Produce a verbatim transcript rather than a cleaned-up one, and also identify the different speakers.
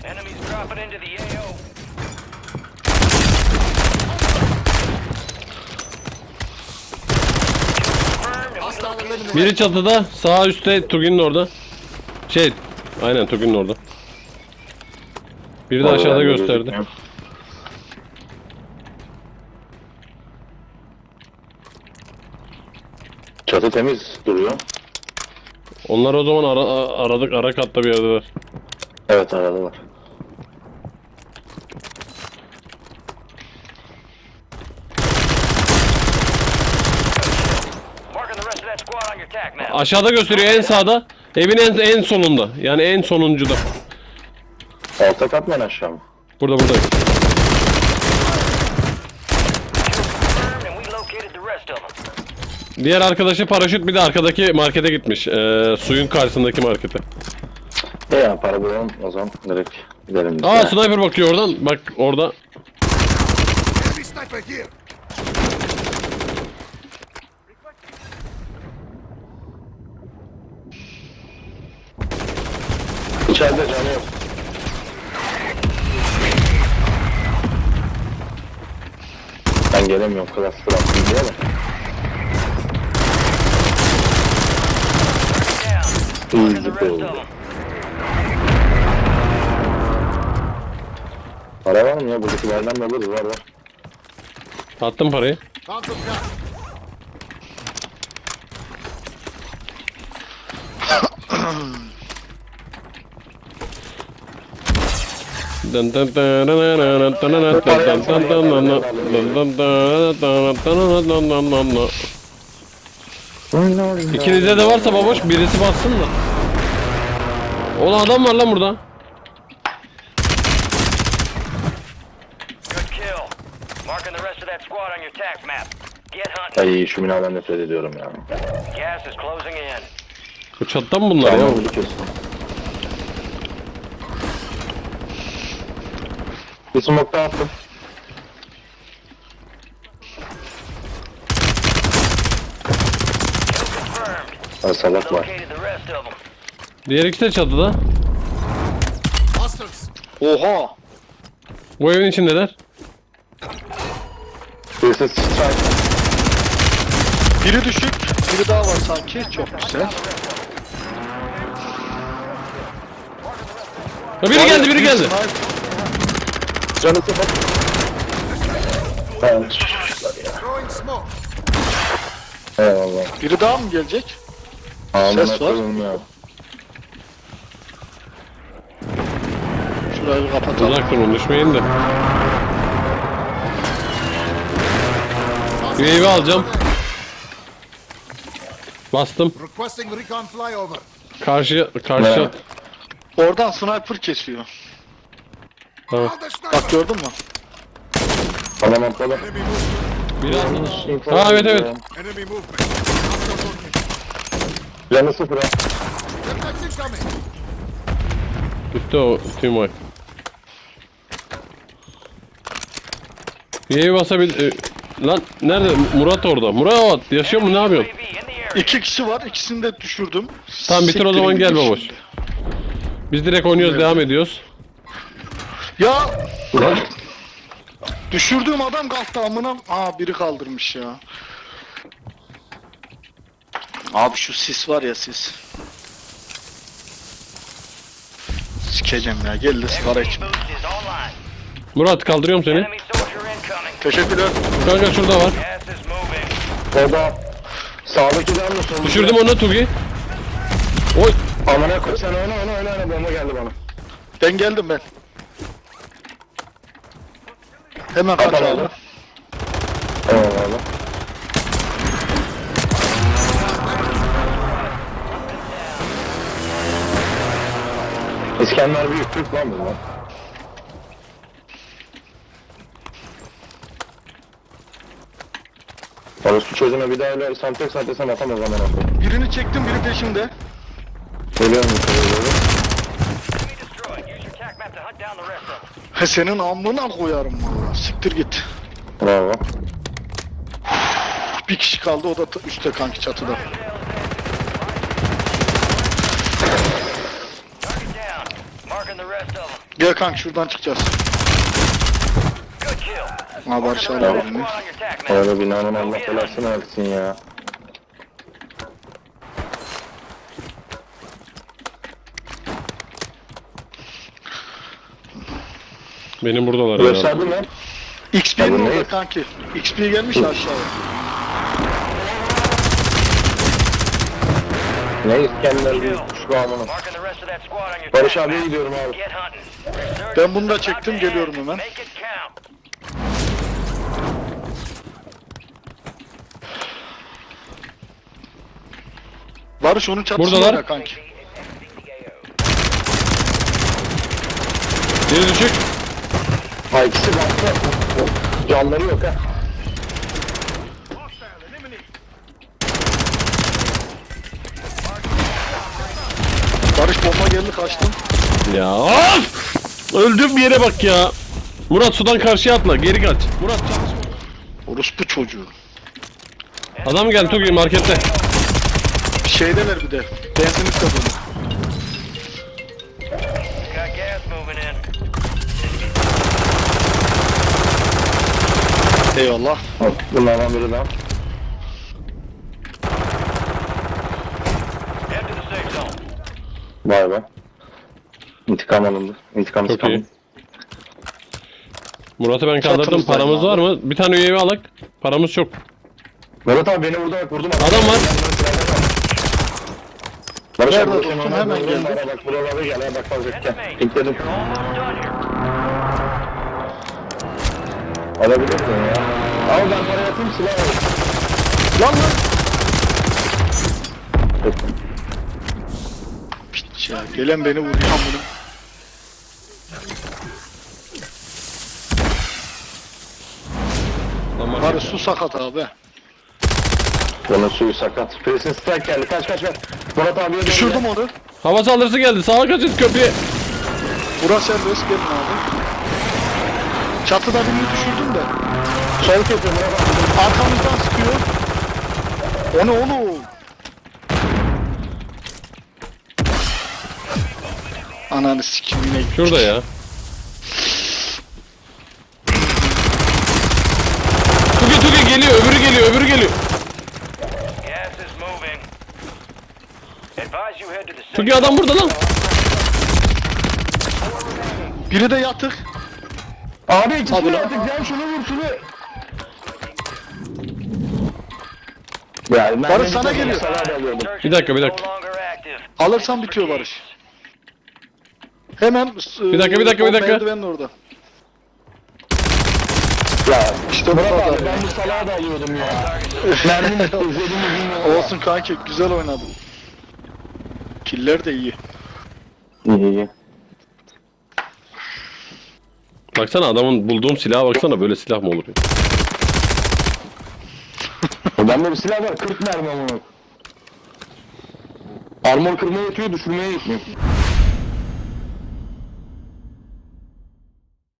Speaker 1: Enemies dropping into the A O.
Speaker 2: Biri çatıda, sağ üstte Tugin'in orada. Şey, aynen Tugin'in orada. Biri de aşağıda gösterdi.
Speaker 3: Çatı temiz duruyor.
Speaker 2: Onlar o zaman ara, aradık, ara katta bir yerdeler.
Speaker 3: Evet aradalar.
Speaker 1: Marking the rest of that squad on your attack map.
Speaker 2: Aşağıda gösteriyor, en sağda. Evin en, en sonunda. Yani en sonuncuda.
Speaker 3: Alta kat mı en aşağı mı?
Speaker 2: Burada burada.
Speaker 1: Confirmed and we located the rest of them.
Speaker 2: Diğer arkadaşı paraşüt, bir de arkadaki markete gitmiş. Ee, suyun karşısındaki markete.
Speaker 3: E ya para bulalım o zaman direkt gidelim biz.
Speaker 2: Aa,
Speaker 3: ya.
Speaker 2: sniper bakıyor oradan. Bak orada.
Speaker 4: Enemy sniper here.
Speaker 3: İçeride canı yok. Ben gelemiyorum klas bıraktım diye de.
Speaker 1: Down.
Speaker 3: İyi
Speaker 1: Marking the rest
Speaker 3: oldu.
Speaker 1: of them.
Speaker 3: Para var mı ya? Buradakilerden de alırız, var var.
Speaker 2: Attım parayı.
Speaker 4: Found some gas.
Speaker 2: Dın dın dın dın dın dın dın dın dın dın dın dın dın dın. İkinizde de varsa baboş birisi bassın da. Oğlum adam var lan burada.
Speaker 1: Good kill. Marking the rest of that squad on your attack map. Get hunting.
Speaker 3: Ay şu binadan nefret ediyorum ya.
Speaker 1: Gas is closing in.
Speaker 2: Bu çattan mı bunlar ya?
Speaker 3: Tamam bunu kesin. Bir smoke daha attım.
Speaker 1: Confirmed.
Speaker 3: Ha, salak var.
Speaker 1: Located the rest of them.
Speaker 2: Diğer ikisi de çatıda.
Speaker 4: Hostiles.
Speaker 5: Oha!
Speaker 2: Bu evin içindeler.
Speaker 3: Birisi strike.
Speaker 5: Biri düşük, biri daha var sanki. Çok güzel.
Speaker 2: Ha, biri geldi biri geldi.
Speaker 3: Canı sıfır. Ben
Speaker 4: Throwing smoke.
Speaker 3: eyvallah.
Speaker 5: Biri daha mı gelecek?
Speaker 3: Ağzına
Speaker 5: Ses var.
Speaker 3: koyayım ya.
Speaker 5: Şurayı bir kapatalım.
Speaker 2: Uzak durun, düşmeyin de. U A V alacağım. Bastım.
Speaker 4: Requesting recon flyover.
Speaker 2: Karşı karşı.
Speaker 3: Evet.
Speaker 5: Oradan sniper kesiyor.
Speaker 2: Tamam.
Speaker 4: Found the sniper.
Speaker 5: Bak gördün mü?
Speaker 3: Tamam atladım.
Speaker 4: Enemy movement.
Speaker 2: Biri atladı. Ha evet evet.
Speaker 4: Enemy movement. Hostile looking.
Speaker 3: Canı sıfır ha.
Speaker 4: Detect incoming.
Speaker 2: Bitti o team wipe. U A V basabil... e, Lan nerede? Murat orada. Murat yaşıyor mu, ne yapıyorsun?
Speaker 1: U A V in the area.
Speaker 5: İki kişi var, ikisini de düşürdüm.
Speaker 2: Tamam bitir o zaman,
Speaker 5: Siktirin
Speaker 2: gel
Speaker 5: gidin
Speaker 2: baboş.
Speaker 5: şimdi.
Speaker 2: Biz direkt oynuyoruz, devam ediyoruz.
Speaker 5: Ya!
Speaker 3: Ulan.
Speaker 5: Düşürdüğüm adam kalktı amına. Aa biri kaldırmış ya. Abi şu sis var ya sis. Sikeceğim ya, gel de sigara
Speaker 1: Enemy
Speaker 5: içme.
Speaker 1: boost is online.
Speaker 2: Murat kaldırıyorum seni.
Speaker 1: Enemy soldier incoming.
Speaker 5: Teşekkürler.
Speaker 2: Kanka şurada var.
Speaker 1: Gas is moving.
Speaker 3: Orada sağdakiler mi solda?
Speaker 2: Düşürdüm onu Tugi. Oy.
Speaker 3: Amına koy sen oyna oyna oyna oyna, bomba geldi bana.
Speaker 5: Ben geldim ben. Hemen kaç
Speaker 3: Tamam.
Speaker 5: abi.
Speaker 3: Eyvallah. İskender büyük Türk lan bu lan. Orospu çocuğuna bir daha öyle santek santesen atamaz zaman atıyor.
Speaker 5: Birini çektim, biri peşimde.
Speaker 3: Geliyorum yukarı doğru.
Speaker 1: Enemy destroyed. Use your attack map to hunt down the rest of them.
Speaker 5: He senin amına koyarım valla. Siktir git.
Speaker 3: Bravo.
Speaker 5: Bir kişi kaldı, o da t- üstte kanki çatıda.
Speaker 1: Target down. Marking the rest rest of them.
Speaker 5: Gel kanka şuradan çıkacağız.
Speaker 1: Good kill.
Speaker 5: Ha Barış
Speaker 1: Marking the
Speaker 5: abi
Speaker 1: rest of
Speaker 5: beni.
Speaker 1: that squad on your attack map.
Speaker 3: Orada binanın Allah belasını versin ya.
Speaker 2: Benim buradalar herhalde.
Speaker 3: Gösterdin mi?
Speaker 5: X P'nin
Speaker 3: Abi
Speaker 5: orada
Speaker 3: neyiz?
Speaker 5: kanki. X P gelmiş ya aşağıya.
Speaker 3: Ne İskender bir şu amına.
Speaker 1: Marking the rest of that squad on your
Speaker 3: Barış
Speaker 1: attack
Speaker 3: abiye
Speaker 1: map.
Speaker 3: gidiyorum abi.
Speaker 1: Get hunting.
Speaker 5: Ben bunu da
Speaker 1: Resurgence is
Speaker 5: çektim,
Speaker 1: about to
Speaker 5: geliyorum
Speaker 1: end.
Speaker 5: hemen.
Speaker 1: Make it count.
Speaker 5: Barış onun çatısında
Speaker 2: Buradalar.
Speaker 5: ya kanki.
Speaker 2: Biri düşük.
Speaker 3: Ha ikisi baktı. Canları yok ha.
Speaker 5: Barış bomba geldi kaçtım.
Speaker 2: Ya of! Öldüm bir yere bak ya. Murat sudan karşıya atla. Geri kaç. Murat çalışma.
Speaker 5: Orospu çocuğu.
Speaker 2: Adam geldi Tugi markette.
Speaker 5: Şeydeler bir de. Benzinlik de dolu.
Speaker 1: Got gas moving in.
Speaker 5: Eyvallah.
Speaker 3: Bak, bunlardan biri daha.
Speaker 1: Head to the safe zone.
Speaker 3: Vay be. İntikam alındı. İntikam
Speaker 2: Çok
Speaker 3: intikam.
Speaker 2: iyi. Murat'ı ben kaldırdım.
Speaker 5: Çatımızdayım
Speaker 2: Paramız
Speaker 5: abi.
Speaker 2: var mı? Bir tane üyevi alak. Paramız çok.
Speaker 3: Mehmet abi beni vurdu bak vurdum.
Speaker 2: Adam var.
Speaker 3: Barış
Speaker 5: Nerede
Speaker 3: abi
Speaker 5: dostum?
Speaker 3: vurdum,
Speaker 5: Hemen
Speaker 3: vurdum,
Speaker 5: geldim.
Speaker 3: bana Bak buralara gel ha bak fazla gel.
Speaker 1: Enemy.
Speaker 3: Linkledim.
Speaker 1: You're almost done here.
Speaker 3: Alabilirsin ya. Ama ben para yapayım silah alayım.
Speaker 5: Lan lan. Piç ya. Gelen beni vuruyor amına.
Speaker 2: Lan
Speaker 5: Barış
Speaker 2: markette.
Speaker 5: su sakat abi.
Speaker 3: Bunun suyu sakat. Presin strike geldi. Kaç kaç ver. Murat abiye dön.
Speaker 5: Düşürdüm onu.
Speaker 2: Hava saldırısı geldi. Sağa kaçın köprüye.
Speaker 5: Burası serbest gelin abi. Çatıda birini düşürdüm de.
Speaker 3: Sol köprü Murat abi.
Speaker 5: Arkamızdan sıkıyor. O ne oğlum? Ananı sikim yine gittik.
Speaker 2: Şurada ya. Tugi Tugi geliyor. Öbürü geliyor. Öbürü geliyor.
Speaker 1: Gas is moving. Advise you head to the safe
Speaker 2: Tugi adam burada lan.
Speaker 5: Biri de yatık.
Speaker 3: Abi ikisi
Speaker 5: Abi
Speaker 3: de
Speaker 5: lan.
Speaker 3: artık gel şunu vur şunu. Ya, ben
Speaker 5: Barış
Speaker 3: de
Speaker 5: sana
Speaker 3: bir tane
Speaker 5: geliyor.
Speaker 3: salat alıyordum.
Speaker 2: Bir dakika, bir dakika.
Speaker 1: No longer active.
Speaker 5: Alırsan bitiyor Barış. Hemen
Speaker 2: Bir dakika, bir dakika, bir dakika.
Speaker 5: Merdivenin orada.
Speaker 3: Ya
Speaker 5: İşte
Speaker 3: Murat
Speaker 5: bu
Speaker 3: abi
Speaker 5: kadar.
Speaker 3: ben bu salağı da alıyordum ya. Mermi mi izlediğimi bilmiyorum.
Speaker 5: Olsun kanki güzel oynadın. Killer de iyi.
Speaker 3: İyi iyi.
Speaker 2: Baksana adamın bulduğum silaha baksana. Böyle silah mı olur ya?
Speaker 3: Bende bir silah var kırk mermi ama. Armor kırmaya yetiyor düşürmeye yetmiyor.